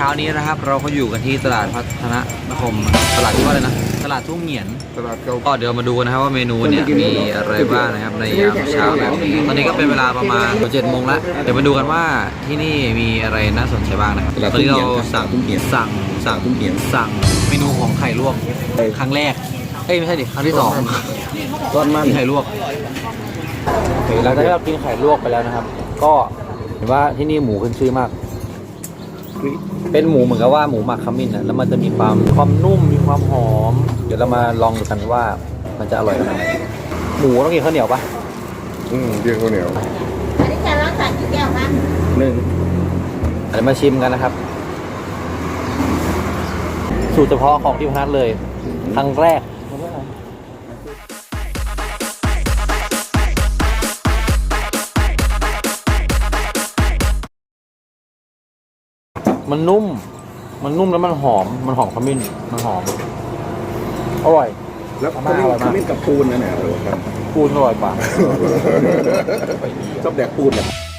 ช้านี้นะครับเราก็อยู่กันที่ตลาดพัฒนคมตลาดที่ว่าอะไรนะตลาดทุ่งเหงียนตลาดเก่าก็เดี๋ยวมาดูกันนะครับว่าเมนูเนี่ยมีอะไรบ้างนะครับในยามเช้าแบบนี้ตอนนี้ก็เป็นเวลาประมาณ7 โมงแล้วเดี๋ยวมาดูกันว่าที่นี่มีอะไรน่าสนใจบ้างนะครับตอนนี้เราสั่งเมนูของไข่ลวกครั้งแรกไม่ใช่ดิครั้งที่2 ร้อนมันกินไข่ลวกโอเคหลังจากที่เรากินไข่ลวกไปแล้วนะครับ ก็เห็นว่าที่นี่หมูขึ้นชื่อมาก เป็นหมูเหมือนกับว่าหมูหมักขมิ้นนะแล้วมันจะมีความนุ่มมีความหอม เดี๋ยวเรามาลองดูกันว่ามันจะอร่อยขนาดไหนหมูต้องกินข้าวเหนียวปะเรียกข้าวเหนียวอันนี้จะรักษากี่แก้วคะหนึ่งเดี๋ยวมาชิมกันนะครับ สูตรเฉพาะของที่พนัสเลยครั้งแรกมันนุ่มแล้วมันหอมขมิ้นมันหอมอร่อยแล้วขมิ้นกับปูนนะเนี่ยอร่อยกันปูนอร่อยกว่าชอบแดกปูนเนี่ย